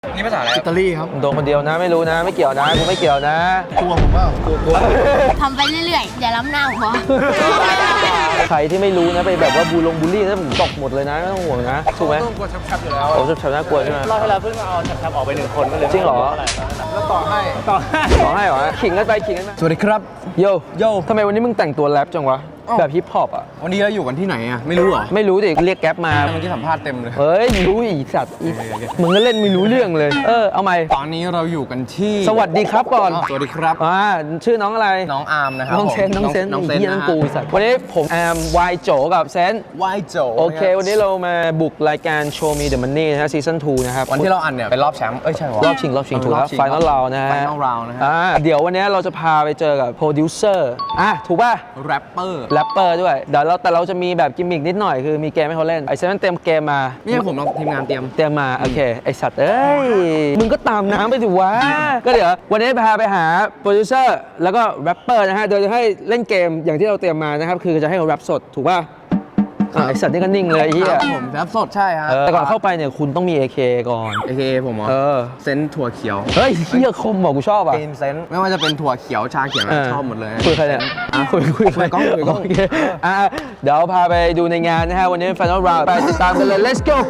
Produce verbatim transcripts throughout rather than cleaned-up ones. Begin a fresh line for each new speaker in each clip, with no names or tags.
นี่ภาษาอะไร
อิตาลีครับ
โดนคนเดียวนะไม่รู้นะไม่เกี่ยวนะกูไม่เกี่ยวนะ
กลัวผมเปล่ากลัวกลัว
ทำไปเรื่อยๆอย่าล้ำหน้าผมพอ
ใครที่ไม่รู้นะไปแบบว่าบูลงบูลลี่นะผมตกหมดเลยนะไม่ต้องห่วงนะถูกไหม
ต้องกลัวชับๆอยู่แล้ว
โอ้ชับๆน่ากลัวใช่ไหม
รอบที่แล้วเพิ่งเอาชับๆออกไปหนึ่งคนก็เลย
จริงเหรอ
แล้วต่อให้
ต่อ
ขอให้เหรอขิงกันไปขิงกันมา
สวัสดีครับ
โย
โย
ทำไมวันนี้มึงแต่งตัวแรปจังวะแบบฮิปฮอปอ่ะ
วันนี้เราอยู่กันที่ไหนอ่ะไม่รู้เหรอ
ไม่รู้ดิเรียกแก๊ปมา
เมื่อกี้สัมภาษณ์เต็มเลย
เฮ้ยรู้อีสัตว์อีมึงก็เล่นไม่รู้เรื่องเลย เออเอาใหม่
ตอนนี้เราอยู่กันที่
สวัสดีครับก่อน
สวัสดีครับ
อ่าชื่อน้องอะไร
น้องอาร์มนะครับ
น้องเซน
ผม
น้องเซน
น้องเซน
เฮียน้องกูไอ้สัตว์วันนี้ผมแอมวายโจกับเซน
วายโจ
โอเค วันนี้เรามาบุกรายการ Show Me the Money นะฮะซีซั่นทูนะครับ
วันที่เราอันเนี่ยเป็นรอบแชมป์เอ้ยใช่หรอ
รอบชิงรอบชิงถูกแล้วไฟนอลราวนะฮะ
Final round นะฮะ
อ่าเดี๋ยววันนี้เราจะพาไปเจอกับโปรดิวเซอร์อ่ะถูกป่ะ
แรปเปอร์
แรปเปอร์ด้วยเดี๋ยวเราแต่เราจะมีแบบกิมมิกนิดหน่อยคือมีเกมให้เขาเล่นไอ้เซนเต็มเกมมา
นี่ผมเราทีมงานเตรียม
เตรียมมาโอเคไอสัตว์เอ้ยมึงก็ตามน้ำไปดิวะ ก็เดี๋ยววันนี้พาไปหาโปรดิวเซอร์แล้วก็แรปเปอร์นะฮะโดยจะให้เล่นเกมอย่างที่เราเตรียมมานะครับคือจะให้เขาแรปสดถูกป่ะอ่ะไอสัตว์นี่ก็นิ่งเลยไอ้เหี้ย
ครับผมแรปสดใช่ฮะ
เออแต่ก่อนเข้าไปเนี่ยคุณต้องมี เอ เค ก่อน
เอเคผมเหรอ
เออ
เซนถั่วเขียว
เฮ้ยเหี้ยคมบอกกูชอบอ่ะ
กรีนเซนไม่ว่าจะเป็นถั่วเขียวชาเขียวนะชอบหมดเลย
คุยใครเนี่ยอ่ะคุยคุย
คุยกล้องคุยกล้อง
โอเคอ่ะเดี๋ยวพาไปดูในงานนะฮะวันนี้ Final Round ไปติดตามกันเลย let's go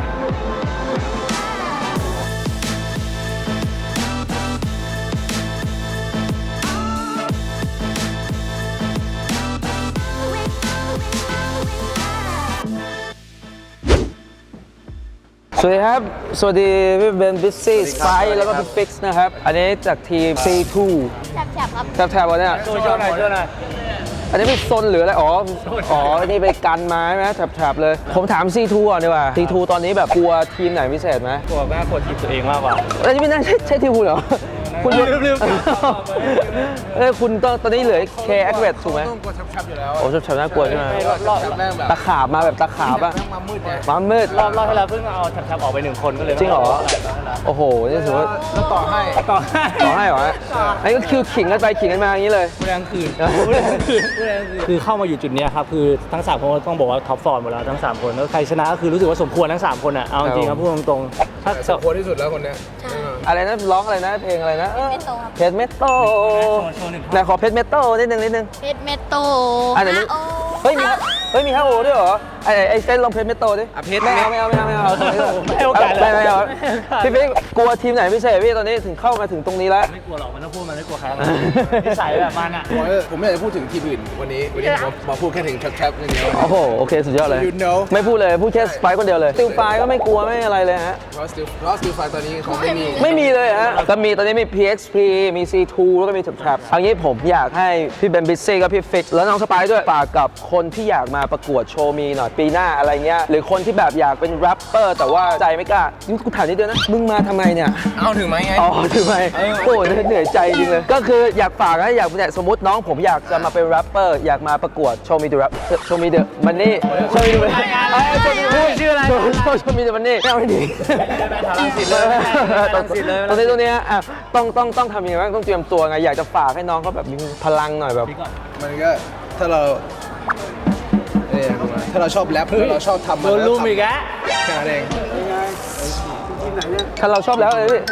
สวัสดีครับ สวัสดีพี่เบนบิสซี่สไปแล้วก็พี่ฟิกซ์นะครับ อันนี้จากทีม ซี ทู
แฉบๆครับ
แถบๆวะเนี่ย
ช่วยช่วยหน่อยช่วยหน่อย
อันนี้เป็นโซนหรืออะไร อ๋อ อ๋อ นี่ไปกันไม้ไหมแถบๆเลย ผมถาม ซี ทู ก่อนดีกว่า ซี ทู ตอนนี้แบบกลัวทีมไหนพิเศษไหม
กลัวมากกลัวทีมตัวเองมากกว่า
อันนี้ไม่น่าใช่ใช่ทีมคุณเหรอ คุณ
ลืมลืม
เออคุณตอนตอนนี้เหลือ K a c v e t ถูกไหม
ต้องกลัวชับๆอยู่แล้ว
โอ้ชับๆน่ากลัวใช่ไหม
รอบรอบ
ชับแม่งแบบ
ตะขาบมาแบบตะขาบอะ
แม่งมามืดไง
มามืด
รอบรอบที่แล้วเพิ่งเอาชับๆออกไปหนึ่งคนก็เลย
จริงเหรอ โอ้โห นี่ถือว่า
แล้วต่อให้
ต่อ
ต่อให้เหรออันนี้ก็คือขิงกันไปขิงกันมาอย่างนี้เลย
ผู้แรงคืนผู้แรงคืนผู้แรงคืนคือเข้ามาอยู่จุดเนี้ยครับคือทั้งสามคนต้องบอกว่าท็อปฟอร์มหมดแล้วทั้งสามคนแล้วใครชนะก็คือรู้สึกว่าสมควรทั้งสามคนอ่ะเอาจริงๆครับพูดตรงๆถ้า
สมควรที่สุดแล้วคนเนี้ย
อะไรนะร้องอะไรนะเพลงอะไรนะ
เมโตครับ
เพชรเมโต
โชว์หนึ่ง
ไหนขอเพชรเมโตนิดนึงนิดนึง
เพชรเมโต
อ่ะเดี๋ยวนี้
โอ
เฮ้ยมีฮะเฮ้ยมีฮะโอด้วยเหรอไอ้ไอ้เส้นลองเพชรเมโตดิ
อ่ะเพชร
ไม่เอาไม่เอาไม่เอาไม่เอา
ไม่ให้โอกาสเลย
ไม่ไม่เอาพี่ปิ๊กกลัวทีมไหนพิเศษพี่ตอนนี้ถึงเข้ามาถึงตรงนี้แล้ว
ไม่กลัวหรอกมันต้องพูดมันไม่กลัวใครหรอกนิสัยแบบมันอ่ะ
ผมผมไม่อยากจะพูดถึงทีมอื่นวันนี้ วันนี้ผมมาพูดแค่ถึงชับๆอย่างเดียว
โอ้โหโอเคสุดยอดเลย
You know
ไม่พูดเลยพูดแค่สไปคนเดียวเลยติวไฟก็ไม่กลัวไม่อะไรเลยฮะ
เพราะสติลเพราะสติลไฟตอนนี้เขาไม่มี
ไม่มีเลยฮะก็มีตอนนี้มี พี เอ็กซ์ พี มี ซี ทู แล้วก็มี Trap เอางี้ผมอยากให้พี่เบนบิสซี่กับพี่ฟิกแล้วน้องสไปด้วยฝากกับคนที่อยากมาประกวดโชว์มีหน่อยปีหน้าอะไรเงี้ยหรือคนที่แบบอยากเป็นแรปเปอร์แต่ว่าใจไม่กล้านี่กูถามนิดเดียวนะมึงมาทำไมเนี่ย
เอาถึงไหมไง
อ๋อถือไหมโอ้เหนื่อยใจจริงเลย ก็คืออยากฝากนะอยากเนี่ยสมมติน้องผมอยากจะมาเป็นแรปเปอร์อยากมาประกวดโชว์มีเดอะแรปโชว์มีเดอะมันนี่โชว์มีเดอะชื่ออะไรโชว์มีเดอะมันนี่ไม่เอาให้ดี
รังสิตเลยรังสิตเลย
ตรงนี้ตรงนี้อ่ะต้องต้องต้องทำยังไงบ้างต้องเตรียมตัวไงอยากจะฝากให้น้องเขาแบบมีพลังหน่อยแบบ
มันก็ถ้าเราเนี่ยถ้าเราชอบแรปถ้าเราชอบทำมัน
โดนลุมอีกแล้ว
แค่นั้นเอง
ถ้าเราชอบแล้วเลยพี่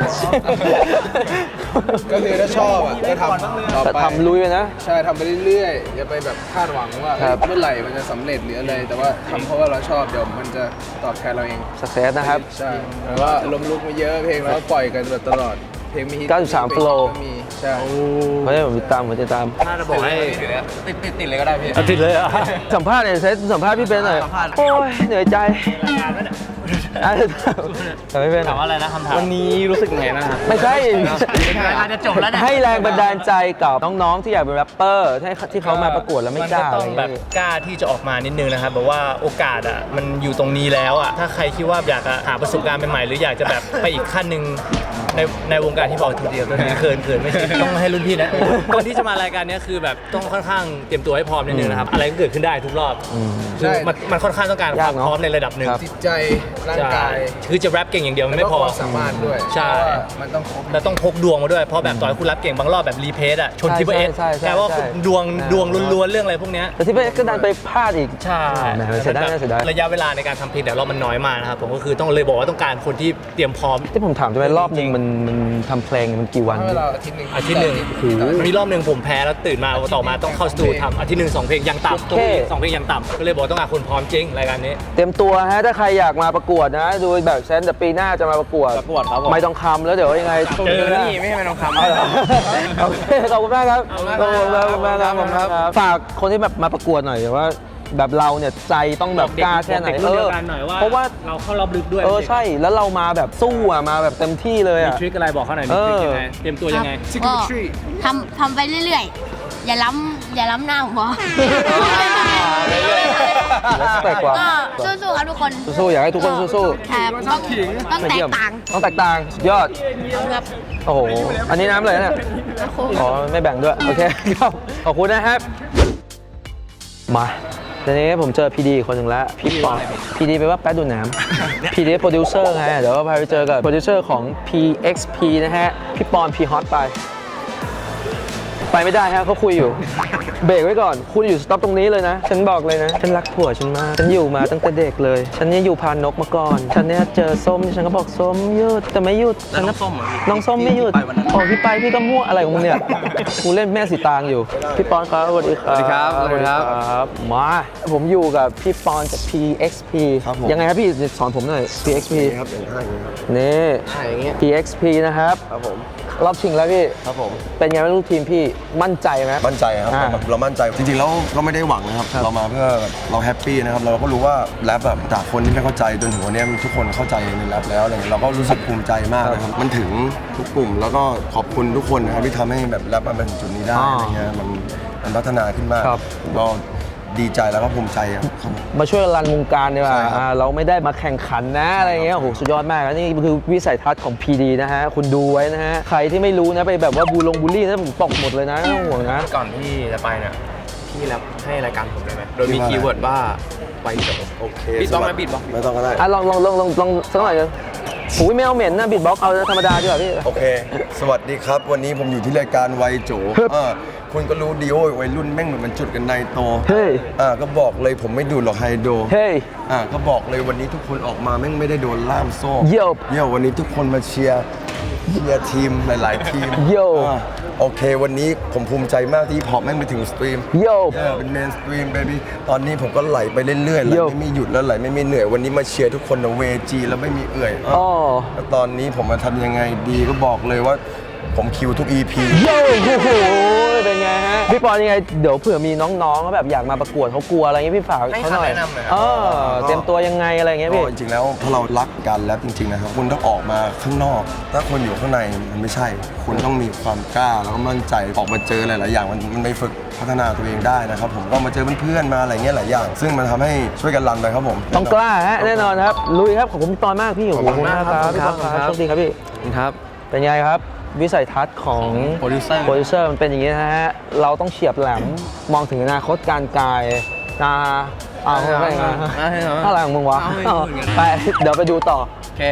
ก็คือถ้าชอบอ่ะก็ทำต่อ
แต่
ไป
ทำลุยไปนะ
ใช่ทำไปเรื่อยๆอย่าไปแบบคาดหวังว่า
ครับ
เมื่อไหร่มันจะสำเร็จหรืออะไร แต่ว่าทำเพราะว่าเราชอบเดี๋ยวมันจะตอบแทนเราเอง
สักเซสนะครับ
ใช่แต่ว่าลมลุกมาเยอะเพลงเราก็ปล่อยกันตลอดเพลงมีฮิต
เก้าสิบสาม flow
ก็มีใช่
เพราะฉะนั้นผมติดตามผมติดตาม
น่าจะบอกให้
ติดติดติดเลยก็ได้พี่
ติดเลยอ่ะ
สัมภาษณ์เนี่ยเซตสัมภาษณ์พี่เบนหน่อย
สัมภาษณ์
โอ้ยเหนื่อยใจ
รายงานไหมเนี่ย
อ่ะแต่ไม่เป็น
ถามว่าอะไรนะคำถาม
วันนี้รู้สึกไงบ้างครับ
ไม่ใช่
รายการจะจบแล้วเนี่ย
ให้แรงบันดาลใจกับน้องๆที่อยากเป็นแรปเปอร์ที่ที่เขามาประกวดแล้วไม่กล้า
มันก็ต้องแบบกล้าที่จะออกมานิดนึงนะครับแบบว่าโอกาสอ่ะมันอยู่ตรงนี้แล้วอ่ะถ้าใครคิดว่าอยากจะหาประสบการณ์ใหม่ๆหรืออยากจะแบบไปอีกขั้นหนึ่งในในวงการที่บอกทีเดียวตัวนี้เขินเขินไม่ใช่ต้องให้รุ่นพี่นะก่อนที่จะมารายการนี้คือแบบต้องค่อนข้างเตรียมตัวให้พร้อมนิดนึงนะครับอะไรก็เกิดขึ้นได้ทุกรอบคือมันมันค่อนข้างต้องการความพร้อมในระดับหนึ่ง
จิตใจร่างกาย
ใช่คือจะแรปเก่งอย่างเดียวมันไม่พอ
แล้วก็ความสามารถด้วย
ใช่
เพราะว่ามันต้องครบ
แล้วต้องพกดวงมาด้วยเพราะแบบต่อยคุณแรปเก่งบางรอบแบบรีเพสอะชน
ใช่
ทิปเปอร์เอส
ใช่ใช่
แปลว่า
ใช่
ดวงดวงล้วนๆเรื่องอะไรพวกเนี้ย
แต่ที่ไปก็ดันไปพลาดอีก
ใช่
แหมเสียดายเสียดาย
ระยะเวลาในการทำเพลงแต่เรามันน้อยมากนะครับผมก็คือต้องเลยบอกว่าต้องการคนที่เตรียมพร้อม
ที่ผมถามจะไปรอบหนึงมันมันทำเพลงมันกี่วัน
ให้เวลาอาทิตย์หนึ่ง
อาทิตย์หนึ่ง
แต่ว่า
มีรอบหนึ่งผมแพ้แล้วตื่นมาต่อมาต้องเข้าสตูทำอาทิตย์หนึ่งสองเพลงยังต่ำ
โอเค
สองเพลงยังต่ำก็เลยบอกต้องการคนพร้อมจริงรายการนี้
เตรียมตัวฮะถ้าใครอยากมาประกวดนะดูแบบเซนแต่ปีหน้าจะมาประกวด
ประกวดครับผม
ไม่ต้องคำแล้วเดี๋ยวยังไง
เจอ
นี่ไม่ให้มันทองคำ
เอาเหรอโอเคขอบคุณมากครับขอบคุณมากขอบคุณมากครับขอบคุณมากครับฝากคนที่แบบมาประกวดหน่อยว่า แบบเราเนี่ยใจต้องแบบกล้าแค่ไหน
เด็กรุ่นเดียวกันหน่อยว่า
เพราะว่า
เราเข้ารอบลึกด้วย
เออใช่แล้วเรามาแบบสู้อ่ะมาแบบเต็มที่เลย
มี
อ่ะ
ทริคอะไรบอกเขาหน่อยมีทริคยังไงเตรียมตัวยังไง
ก็ทำทำไปเรื่อยๆ อย่าล้ำอย่าล้ำหน้าผมพอ
แต่กว่า
ก็สู้ๆครับทุกคน
สู้ๆอยากให้ทุกคนสู้
ครับต้องต้อง
ๆ
แตกต่าง
ต้องแตกต่างยอด
ครับ
โอ้โหอันนี้น้ำเลยนะอ๋อไม่แบ่งด้วยโอเคครับขอบคุณนะครับมาตอนนี้ผมเจอพีดีคนหนึ่งแล้วพี่ปอนพีดีแปลว่าแป๊ดดูดน้ำพีดีโปรดิวเซอร์ไงเดี๋ยวพาไปเจอกับโปรดิวเซอร์ของ พี เอ็กซ์ พี นะฮะพี่ปอนพีฮอตไปไปไม่ได้ฮะเขาคุยอยู่เบรกไว้ก่อนคุณอยู่สต็อปตรงนี้เลยนะฉันบอกเลยนะฉันรักผัวฉันมากฉันอยู่มาตั้งแต่เด็กเลยฉันเนี่ยอยู่พานนกมาก่อนฉันเนี่ยเจอส้มฉันก็บอกส้มหยุดแต่ไม่หยุดฉันก็น้องส้มไม่หยุดอ๋อพี่ไปพี่ก็มั่วอะไรของมึงเนี่ยกูเล่นแม่สีตางอยู่พี่ปอนครับสวัสดีครับ
สวัสดีครับสวัสดีครับ
ครับมาผมอยู่กับพี่ปอนจาก พี เอ็กซ์ พี
ครับผม
ยังไงครับพี่สอนผมหน่อย พี เอ็กซ์ พี
ครับอย่างห้าอย่างนี้ครับ
นี่
ห้าอย่างเงี้ย
พี เอ็กซ์ พี นะครับ
ครับผม
รอบชิงแล้วพี่
ครับผม
เป็นไงบ้างลูกทีมพี่มั่นใจไหม
มั่นใจครับ
อ่า
เราเรามั่นใจจริงๆแล้วก็ไม่ได้หวังนะครับ เรามาเพื่อเราแฮปปี้นะครับเราก็รู้ว่าแรปแบบจากคนที่ไม่เข้าใจจนถึงวันนี้ทุกคนเข้าใจในแรปแล้วอะไรเงี้ยเราก็รู้สึกภูมิใจมากนะครับมันถึงทุกกลุ่มแล้วก็ขอบคุณทุกคนนะครับที่ทำให้แบบแรปมาเป็นจุดนี้ได้อะไรเงี้ยมันมันพัฒนาขึ้นมาก
ครับ
ก็ดีใจแล้วก็ภูมิใจครับครับผม
มาช่วยรันวงการดีกว่า
ใช่ครับ
อ่าเราไม่ได้มาแข่งขันนะอะไรเงี้ยโอ้โหสุดยอดมากแล้วนี่คือวิสัยทัศน์ของ พี ดี นะฮะคุณดูไว้นะฮะใครที่ไม่รู้นะไปแบบว่าบูลงบูลลี่นะผมตกหมดเลยนะไม่ต้องห่วงนะ
ก่อนที่จะไปเนี่ยพี่แรปให้รายการผมได้ไหมโดยมีคีย์เวิร์ดว่าไวโจ
โอเค
บีทบ็อกซ์ไหมบีทบ็อกซ์
ไม่ต้องก็ได้
อ่ะลองลองลองลองลองสักหน่อยนึงโอ้ยไม่เอาเหม็นนะบิดบ็อกเอาธรรมดาดีกว่าพี่
โอเค สวัสดีครับ วันนี้ผมอยู่ที่รายการไวโจ
ครับ
อ่าคุณก็รู้ดีโอ้ยวัยรุ่นแม่งเหมือนมันจุดกันในโต
เฮ้ย
อ่าก็บอกเลยผมไม่ดูดหรอกไฮโด
เฮ้ย
อ่าก็บอกเลยวันนี้ทุกคนออกมาแม่งไม่ได้โดนล่ามโซ่
โย่
เย่วันนี้ทุกคนมาเชียร์เชียร์ทีมหลาย ๆ ทีม
โย่
อ่าโอเค วันนี้ผมภูมิใจมากที่พอปแม่งไปถึงสตรีม
โย่
เออเป็นเมนสตรีมเบบี้ตอนนี้ผมก็ไหลไปเรื่อยๆไหล
โย่
ไม่มีหยุดแล้วไหลไม่มีเหนื่อยวันนี้มาเชียร์ทุกคนนะเวจีแล้วไม่มีเอื่อยอ่ะ
อ๋อ
แล้วตอนนี้ผมมาทำยังไงดีก็บอกเลยว่าผมคิวทุก อี พี
โย่โอ้โหเป็นไงฮะพี่ปอนยังไงเดี๋ยวเผื่อมีน้องๆเขาแบบอยากมาประกวดเขากลัวอะไรเงี้ยพี่ฝาก
ให้
เขาหน่อย
คำแนะนำหน่อยครับ
เออเตรียมตัวยังไงอะไรเงี้ย
ก็
พี่
จริงๆแล้วถ้าเรารักกันแล้วจริงๆนะครับคุณต้องออกมาข้างนอก ถ้าคนอยู่ข้างในมันไม่ใช่ คุณต้องมีความกล้าแล้วก็มั่นใจออกมาเจอหลายๆอย่างมันมันไปฝึกพัฒนาตัวเองได้นะครับผมก็มาเจอเพื่อนๆมาอะไรเงี้ยหลายอย่าง ซึ่งมันทำให้ช่วยกันรันไปครับผม
ต้องกล้าฮะแน่นอนครับลุยครับขอบคุณพี่ปอนมากพี่โอ้โห
ขอบคุณมากครับ
พี่ปอน
ขอบคุณครับ
โชคดีครับพี่
ครับ
เป็นไงครับ วิสัยทัศน์ของ
โปรดิวเซอร์
โปรดิวเซอร์มันเป็นอย่างนี้นะฮะ เราต้องเฉียบแหลม มองถึงอนาคตการไกลนะเอาไม่ไง
เอาให้เอา
อะไรของมึงวะ
เอาให้พูดกัน
ไป เดี๋ยวไปดูต่อ
โอเค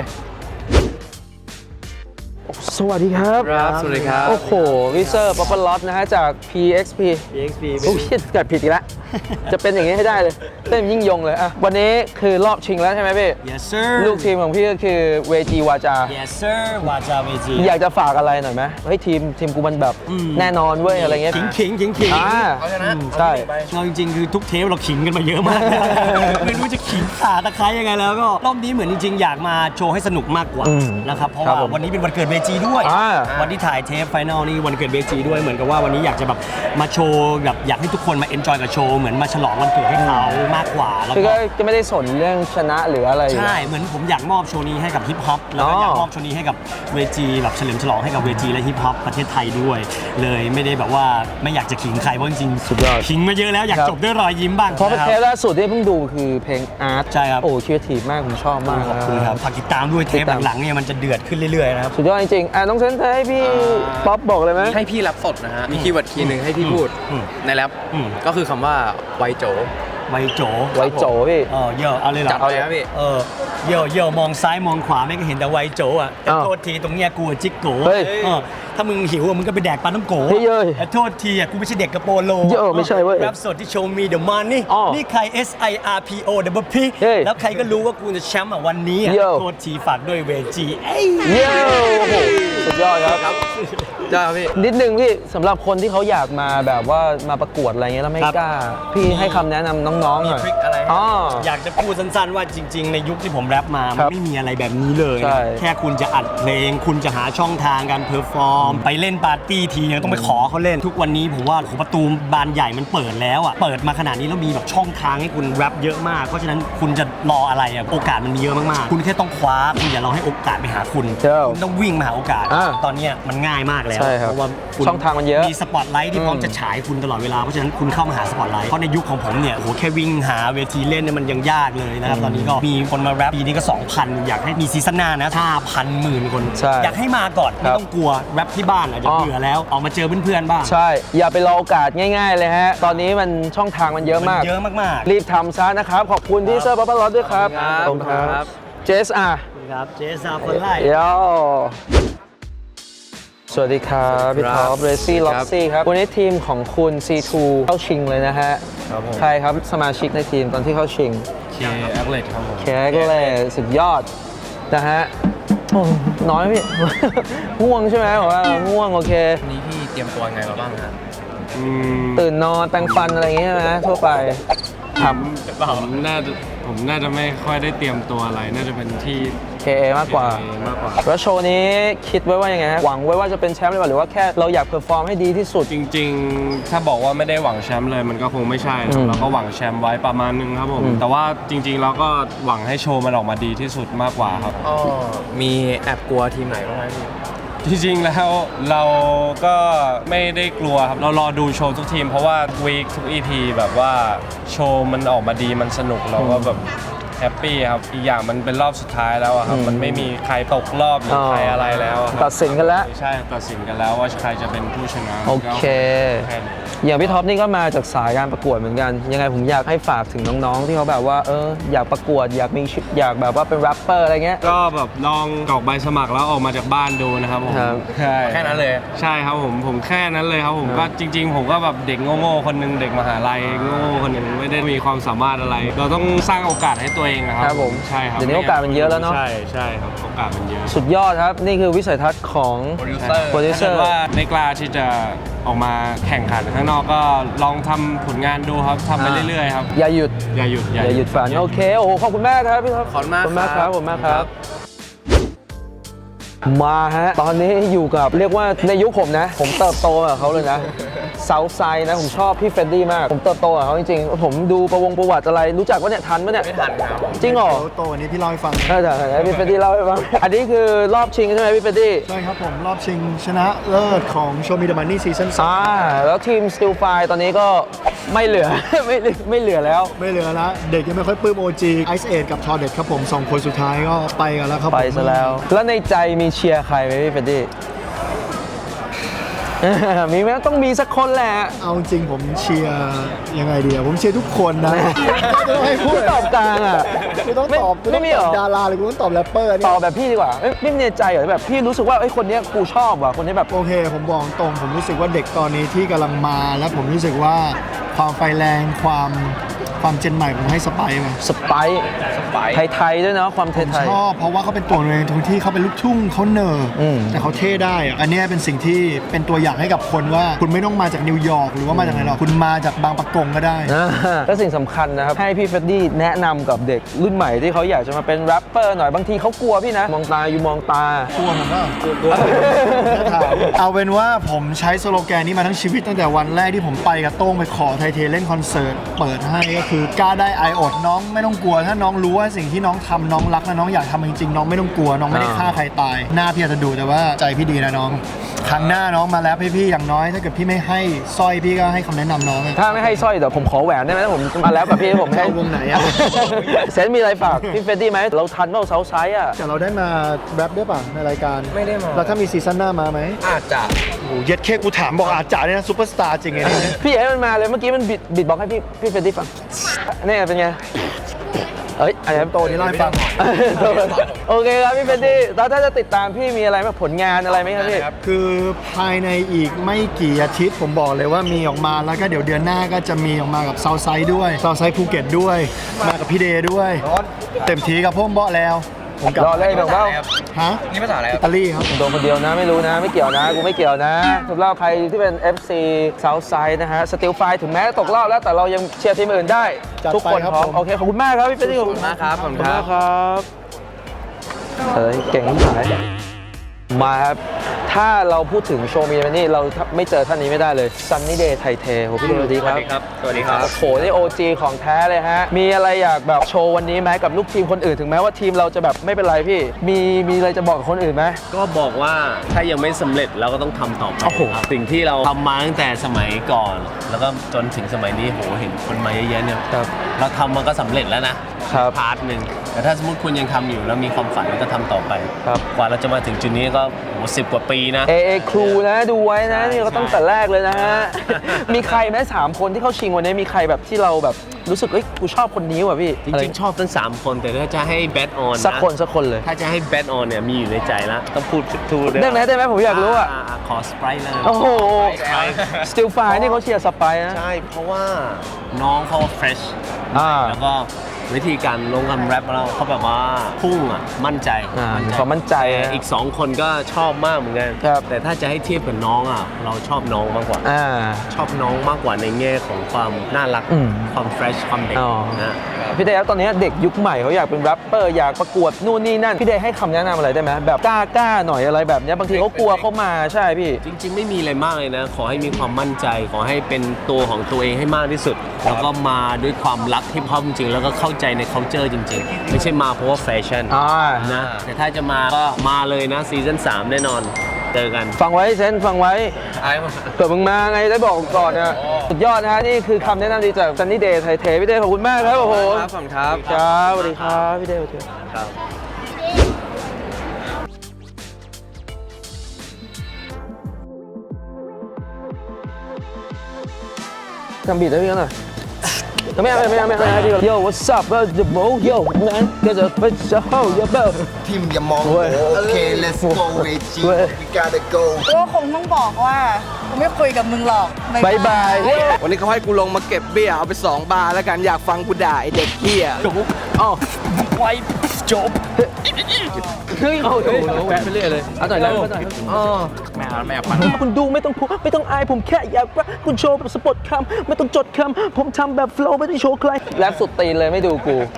สวัสดีครับ
ครับสวัสดีครับ
โอ้โหวิเซอร์ป๊อปเปอร์ล็อตนะฮะ จาก พี เอ็กซ์ พี
พี เอ็กซ์ พี
โอ้ยเกิดผิดอีกแล้ว จะเป็นอย่างนี้ให้ได้เลยเต้นยิ่งยงเลยอ่ะวันนี้คือรอบชิงแล้วใช่ไหมพี่
yes sir
ลูกทีมของพี่ก็คือเวจีวาจา
yes sir วาจาเวจี
อยากจะฝากอะไรหน่อยไหมเฮ้ยทีมทีมกูมันแบบแน่นอนเว้ยอะไรเงี้ย
ขิงขิงขิงขิง
อ่า
เอาชนะ
ใช่
เราจริงๆ คือทุกเทปเราขิงกันมาเยอะมาก ไม่รู้จะขิงขาตะไคร้ยังไงแล้วก็รอบนี้เหมือนจริงๆ อยากมาโชว์ให้สนุกมากกว่า
อืม
นะครับเพราะ
ครับ
ว่า
ผม
วันนี้เป็นวันเกิดเวจีด้วย
อ่า
วันที่ถ่ายเทปไฟนอลนี่วันเกิดเวจีด้วยเหมือนกับว่าวันนี้อยากจะแบบมาโชว์แบบอยากให้ทุกคนมาเอนจอยกับโชว์เหมือนมาฉลองวันเกิดให้เขามากกว่าแล้ว
คือ
ก็
ก็จะไม่ได้สนเรื่องชนะหรืออะไรอยู่
ใช่
แล้ว
เหมือนผมอยากมอบโชว์นี้ให้กับฮิปฮอปแล้วก็
อ๋อ
อ
อ
ยากมอบโชว์นี้ให้กับเวจีแบบเฉลิมฉลองให้กับเวจีและฮิปฮอปประเทศไทยด้วย เลยไม่ได้แบบว่าไม่อยากจะขิงใครเพราะจริงๆ
สุดยอด
ขิงมาเยอะแล้วอยาก
ครับ
จบด้วยรอยยิ้มบ้าง
เพราะ
นะค
เท
รับ
ปล่าสุดที่เพิ่งดูคือเพลงอาร์ต
ใช่ครับ
โอ้คิดทีมากผมชอบมาก
ขอบคุณครับฝากติดตามด้วยเทปหลังๆเนี่ยมันจะเดือดขึ้นเรื่อยๆนะครับ
สุดยอดจริงๆอ่ะน้องเซนเธอให้พี่ป๊อปบอกเลยไหม
ให้พี่แรปสดนะฮะ มีคีย์เวิร์ดคีย์หนึ่งให้พี่พูด
อืม
ในแรป
อืม
ก็คือคำว่าไวโจ
ไวโจ
ไวโจพี่
เออเยอะเอาเลยเหรอ
จัดเอาเลยครับพี่
เออเยอะเยอะมองซ้ายมองขวาไม่ก็เห็นแต่ไวโจอ่ะแต่
อ้าว
โทษทีตรงเนี้ยกูอะจิกโก
เฮ้ย
เออถ้ามึงหิวอะมึงก็ไปแดกปลาน้ำโก
เฮ้ยเย้ย
แต่โทษทีอ่ะกูไม่ใช่เด็กกระโปโล
เยอะไม่ใช่เว้ย
รับสดที่โชว์มีเดอะมันนี่
อ๋อ
นี่ใคร S I R P O W P
เฮ้ย
แล้วใครก็รู้ว่ากูจะแชมป์อ่ะวันนี้อ่ะ
เยอะ
โทษทีฝากด้วยเวจีเอ้ย
เย้โอ้โหสุดยอดครับ
จ้าพี่
นิดนึงพี่สำหรับคนที่เขาอยากมาแบบว่ามาประกวดอะไรเงี้ยแล้วไม่กล้า พี่ให้คำแนะนำน้องๆหน่อย
มีทริคอะไรให้
อ๋อ
อยากจะพูดสั้นๆว่าจริง ๆ ในยุคที่ผมแรปมา
ค
มั
รั
น
บ
ไม่มีอะไรแบบนี้เลย
ใช่
นะแค่คุณจะอัดเพลง คุณจะหาช่องทางการเพอร์ฟอร์ม ไปเล่นปาร์ตี้ทียังต้องไปขอเขาเล่น ทุกวันนี้ผมว่าโอ้โหประตูบานใหญ่มันเปิดแล้วอ่ะ เปิดมาขนาดนี้แล้วมีแบบช่องทางให้คุณแรปเยอะมาก เพราะฉะนั้นคุณจะรออะไรอ่ะ โอกาสมันมีเยอะมากๆ คุณแค่ต้องคว้า คุณอย่ารอให้โอกาสไปหาคุณ
เจ้า
คุณต้องวิ่งมาหาโอกาส
อ่า
ตอนเนี้ยมันง่ายมากแล้ว
ใช่ครับ
เพราะว่าคุณ
ช่องทางมันเยอะ
มีสปอตไลท์ที่พร้อม
อืม
จะฉายคุณตลอดเวลา เพราะฉะนั้นคุณเข้ามาหาสปอตไลท์ เพราะในยุคของผมเนี่ยโอ้โหแค่วิ่งหาเวทีเล่นเนี่ยมันยังยากเลยนะครับ ตอนนี้ก็มีคนมาแรปปีนี้ก็ สองพัน อยากให้มีซีซั่นหน้านะ ห้าพัน หมื่นคน
ใช่
อยากให้มาก่อน
ค
ไม่
รับ
ต้องกลัวแรปที่บ้านอาจจะ
อ๋อ
เบื่อแล้ว ออกมาเจอเพื่อนๆบ้าง
ใช่ อย่าไปรอโอกาสง่ายๆเลยฮะ ตอนนี้มันช่องทางมันเยอะ
มัน
มาก
เยอะมากๆ
รีบทำซะนะครับ ขอบคุณที่เซอร์บัฟฟาลอด้วยครับ
ขอบคุณครับ
เจสอ่ะ
ครับเจสซาคนไล่
เดี๋ยวสวัสดีครับพี่ท็อปเรซี่ล็อกซี่ครับ วันนี้ทีมของคุณ ซี ทู เข้าชิงเลยนะฮะ
ครับผม
ใครครับสมาชิกในทีมตอนที่เข้าชิง
เคแอคเลตครับผม
แคก็เลยสุดยอดนะฮะโอ้น้อยไหมพี่ ง่วงใช่ไหมผมว่าง่วงโอเค
วันนี้พี่เตรียมตัวยังไงมาบ้างครับ
ตื่นนอนแปรงฟันอะไรอย่างเงี้ยใช่ไหมทั่วไปท
ผมน่าจะผมน่าจะไม่ค่อยได้เตรียมตัวอะไร น่าจะเป็นที่
ำ เค เอ มากกว่า
เอมากกว่า
แล้วโชว์นี้คิดไว้ว่ายังไงฮะหวังไว้ว่าจะเป็นแชมป์หรือเปล่าหรือว่าแค่เราอยากเพอร์ฟอร์มให้ดีที่สุด
จริงๆ ถ้าบอกว่าไม่ได้หวังแชมป์เลยมันก็คงไม่ใช่ค
อื
รับ
ม
เราก็หวังแชมป์ไว้ประมาณนึงครับผม
อืม
แต่ว่าจริงๆเราก็หวังให้โชว์มันออกมาดีที่สุดมากกว่าครับ
อ๋อ มีแอบกลัวทีมไหนบ้างไหมพี่
จริงๆ แล้วเราก็ไม่ได้กลัวครับ เรารอดูโชว์ทุกทีม เพราะว่าวีคทุก อี พี แบบว่าโชว์มันออกมาดีมันสนุกเราก็แบบแฮปปี้ครับ อีกอย่างมันเป็นรอบสุดท้ายแล้วอะครับ
อืม
มันไม่มีใครตกรอบหรือใครอะไรแล้วอะครับ
ตัดสินกันแล้ว
ใช่ตัดสินกันแล้วว่าใครจะเป็นผู้ชนะ
โอเค
แค่นี้
อย่างพี่ท็อปนี่ก็มาจากสายการประกวดเหมือนกัน ยังไงผมอยากให้ฝากถึงน้องๆ ที่เขาแบบว่าเอออยากประกวดอยากมีชื่ออยากแบบว่าเป็นแรปเปอร์อะไรเงี้ย
ก็แบบลองกรอกใบสมัครแล้วออกมาจากบ้านดูนะครับผม
ครับ
ใช่
แค่นั้นเลย
ใช่ครับผมผมแค่นั้นเลยครับผม
ครับ
ก็จริง ๆ ผมก็แบบเด็กโง่ๆคนหนึงเด็กมหาลัยโง่ๆคนหนึงไม่ได้มีความสามารถอะไร เราต้องสร้างโอกาสให้ตัวเองนะครั
ครับผม
ใช่ครับ
เดี๋ยวนี้โอกาสมันเยอะแล้วเนอะ
ใช่ใช่ครับโอกาสมันเยอะ
สุดยอดครับ นี่คือวิสัยทัศน์ของ
โปรดิวเซอร์
โปรดิวเซ
ถ้า
อ
เกิด
ร์
ว่าไม่กล้าที่จะออกมาแข่งขันข้างนอกก็ลองทำผลงานดูครับทำไปเรื่อยๆครับ
อย่าหยุด
อย่าหยุด
อย่าหยุดฝันโอเค โอ้โห ขอบคุณมากครับพี่ท็อป
ขอบคุณมาก
ขอบคุณมากค
ครั
รับบ ขอบคุณมากครับ มาฮะ ตอนนี้อยู่กับเรียกว่าในยุคผมนะ ผมเติบโตกับเขาเลยนะเซาท์ไซด์นะ ผมชอบพี่เฟรดดี้มาก ผมเติบโตกับเขาจริงๆ ผมดูประวงประวัติอะไร รู้จักว่าเนี่ยทันปะเนี่ย
ไม่ทันครับ
จริงเหรอ
โตวันนี้พี่เล่าให้ฟัง
ได้ได้ได้พี่เฟรดดี้เล่าให้ฟัง อันนี้คือรอบชิงใช่ไหมพี่เฟรดดี้
ใช่ครับผม รอบชิงชนะเลิศของ Show Me the Money Season สอง
อ่าแล้วทีม Still Fire ตอนนี้ก็ไม่เหลือ ไม่เหลือไม่เหลือแล้ว
ไม่เหลือละเด็กยังไม่ค่อยปลื้ม โอ จี Ice Age กับ Tordet ครับผมสองคนสุดท้ายก็ไปกันแล้วครับผม
ไปซะแล้ว แล้วในใจมีเชียร์ใครไหมพี่เฟรดดี้ มีไหมต้องมีสักคนแหละ
เอาจริงผมเชียร์ยังไงดีอะผมเชียร์ทุกคนนะ ไม่ต้องให้พูด
ตอบกลางอ่ะ
กูต้องตอบกู
ไม่
ต้อง
มี
ต
เหร
อบ
อ
ดาราหรือกูต้องตอบแรปเปอร์
ต
เนี่
อย บแบบพี่ดีกว่าไม่ไม่มีในใจเหรอแบบพี่รู้สึกว่าไอ้ยคนเนี้ยกูชอบว่ะคนนี้แบบ
โอเค ผมบอกตรงผมรู้สึกว่าเด็กตอนนี้ที่กำลังมาแล้วผมรู้สึกว่าความไฟแรงความความเจนใหม่ผมให้สไปซ์มา
สไปซ์
สไปซ์
ไทยๆด้วยเนาะความไทย
ชอบเพราะว่าเขาเป็นตัวเองตรงที่เขาเป็นลูกทุ่งเขาเนอร์
อืม
แต่เขาเท่ได้อะอันเนี้ยเป็นสิ่งที่เป็นตัวอย่างให้กับคนว่าคุณไม่ต้องมาจากนิวยอร์กหรือว่ามาจากไหนหรอกคุณมาจากบางปะกงก็ได้
ๆอ่าและสิ่งสำคัญนะครับให้พี่เฟรดดี้แนะนำกับเด็กรุ่นใหม่ที่เขาอยากจะมาเป็นแรปเปอร์หน่อยบางทีเขากลัวพี่นะ มองตาอยู่มองตา
กลัวผมก็กลัวเอาเป็นว่าผมใช้สโลแกนนี้มาทั้งชีวิตตั้งแต่วันแรกที่ผมไปกับโต้งไปขอไทเทเล่นคอนเสิร์ตเปิดให้ก็คือกล้าได้ไออดน้องไม่ต้องกลัวถ้าน้องรู้ว่าสิ่งที่น้องทำน้องรักและน้องอยากทำจริงๆน้องไม่ต้องกลัวน้องไม่ได้ฆ่าใครตายหน้าพี่อาจจะดูแต่ว่าใจพี่ดีนะน้องครั้งหน้าน้องมาแล้วให้พี่อย่างน้อยถ้าเกิดพี่ไม่ให้สร้อยพี่ก็ให้คำแนะนำน้องอะ
ถ้าไม่ให้สร้อยเดี๋ยวผมขอแหวนได้ไหมถ้าผมมาแล้วกับพี่ผมให้
เอาวงไหนอะ
เซนมีอะไรฝากพี่เฟรดดี้ไหมเราทันเปล่าเซาไซด์อ่ะ
แต่เราได้มาแรปด้วยป่ะในรายการ
ไม่ได้มา
แล้วถ้ามีซีซั่นหน้ามาไหม
อาจจะ
โอ้เย็ดเคกูถามบอกอาจจะเนี่ยนะซูเปอร์สตาร์จริงไงเนี่ย
พี่ให้มันมาเลยเมื่อกี้มันบิดบิดบอกให้พี่พี่เฟรดดี้ฟังนี่เป็นไงเอ้ยอันนี้
โตนี่เล่าให้ฟัง
โอเคครับพี่เฟดดี้แล้วถ้าจะติดตามพี่มีอะไรไหมผลงานอะไรไหมครับพี่
คือภายในอีกไม่กี่อาทิตย์ผมบอกเลยว่ามีออกมาแล้วก็เดี๋ยวเดือนหน้าก็จะมีออกมากับเซาไซด์ด้วยเซาไซด์ภูเก็ตด้วย มากับพี่เดย์ด้วย เต็มทีกับพ่อมเบาะแล้ว ผมกลับ
รอเล่นแบบว่า
ฮะ
นี่ภาษาอะไรค
อิ
รับ
ตาลีครับ
โดนคนเดียวนะไม่รู้นะไม่เกี่ยวนะกูไม่เกี่ยวนะสำหรับใครที่เป็น เอฟ ซี Southside นะฮะสติลไฟถึงแม้ตกรอบแล้วแต่เรายังเชียร์ทีมอื่นได้
จัดไป
ทุกคน
ครับ
พร้อม
ผม
โอเคขอบคุณมากครับพี่เฟดดี้ขอบคุณมากครับขอบคุณมากครับเฮ้ยเก่งที่ไหนมาครับถ้าเราพูดถึงโชว์มีมันนี่เราไม่เจอท่านนี้ไม่ได้เลย Sunny Day ไทยเทโหพี่เดย์สวัสดีครับ
สวัสดีครับ
โอ้โหนี่ โอ จี ของแท้เลยฮะมีอะไรอยากแบบโชว์วันนี้ไหมกับลูกทีมคนอื่นถึงแม้ว่าทีมเราจะแบบไม่เป็นไรพี่มีมีอะไรจะบอกกับคนอื่นไหม
ก็บอกว่าถ้ายังไม่สำเร็จเราก็ต้องทำต่อไป
โอ้โห
ครับสิ่งที่เราทำมาตั้งแต่สมัยก่อน แล้วก็จนถึงสมัยนี้โหเห็นคนมาเยอะๆเนี่ย
ครับ
เราทำมันก็สำเร็จแล้วนะครับ พาร์ทหนึ่งแต่ถ้าสมมติคุณยังทำอยู่แล้วมีความฝันก็ทำต่อไป
ครับ
กว่าเราจะมาถึงจุดนี้ก็โหสิบกว่าปีนะ
เอเอครูนะดูไว้นะนี่ก็ตั้งแต่แรกเลยนะฮะ มีใครไหมสามคนที่เข้าชิงวันนี้มีใครแบบที่เราแบบรู้สึกเอ้ยกูชอบคนนี้ว่ะพี่
จริงๆ ชอบทั้ง สาม คนแต่ถ้าจะให้แบทออน
สักคนสักคนเลย
ถ้าจะให้แบทออนเนี่ยมีอยู่ในใจแล้วต้องพูดทูด้
ได้ไหมได้ไหมผมอยากรู้อ่ะ
าขอสไปร์เลย
โอ้โห
Sprite
สติลไฟนี่เขาเชียร์สไปนะ
ใช่ เพราะว่าน้องเขาเฟรช
อ่า
แล้วก็วิธีการลงคำแรปของเราเขาแบบว่าพุ่งอ่ะ มั่นใจ
อ่ามีความมั่นใจ
แต่
นะ
อีก 2 คนก็ชอบมากเหมือนกัน
ครับ
แต่ถ้าจะให้เทียบกับน้องอ่ะ เราชอบน้องมากกว่า
อ่า
ชอบน้องมากกว่าในแง่ของความน่ารัก
อืม
ความเฟรช ความเด็ก
อ๋อ
นะ
พี่เดย์ครับตอนนี้เด็กยุคใหม่เขาอยากเป็นแรปเปอร์อยากประกวดนู่นนี่นั่นพี่เดย์ให้คำแนะนำอะไรได้ไหมแบบกล้ากล้าๆหน่อยอะไรแบบเนี้ยบางทีเขากลัวเขามาใช่พี่
จริงๆ ไม่มีอะไรมากเลยนะ ขอให้มีความมั่นใจ ขอให้เป็นตัวของตัวเองให้มากที่สุด แล้วก็มาด้วยความรักฮิปฮอปจริงๆ แล้วก็เข้าใจใน culture จริงๆ ไม่ใช่มาเพราะว่าแฟชั่น
อ่า
นะ แต่ถ้าจะมาก็มาเลยนะซีซั่นสามแน่นอน เจอกัน
ฟังไว้เซนฟังไว้เผื่อมึงมาไงได้บอกก่อนนะสุดยอดนะฮะนี่คือคำแนะนำดีจาก Sunny Day ไทยเทพี่เดย์ขอบคุณมากครับโอ้โห
ครับผมครับ
ครับสวัสดีครับพี่เดย์สวัสดีครับทำบีทได้พี่หน่อยไม่เอาไม่เอาไม่เอาไม่เอาพี่ Yo what's up the bro yo man get a bitch a hoe yo bro
ทีมอย่ามองโอเค let's go เวจี we gotta go
ก็คงต้องบอกว่ากูไม่คุยกับมึงหรอก
บายบาย
วันนี้เขาให้กูลงมาเก็บเบี้ยเอาไปสองบาร์แล้วกันอยากฟังกูด่าไอเด็กเหี้ย
อ๋อไว้จบเฮ้ยเอาถูแวะไปเรื่อยเลยเอาหน่อยแล้วหน่อยอ๋อไม่เอาไม่เอาฟังคุณดูไม่ต้องพูดไม่ต้องอายผมแค่อยากว่าคุณโชว์แบบสปอตคำไม่ต้องจดคำผมทำแบบโฟล์ไม่ได้โชว์ใครแรปสุดตีนเลยไม่ดูกู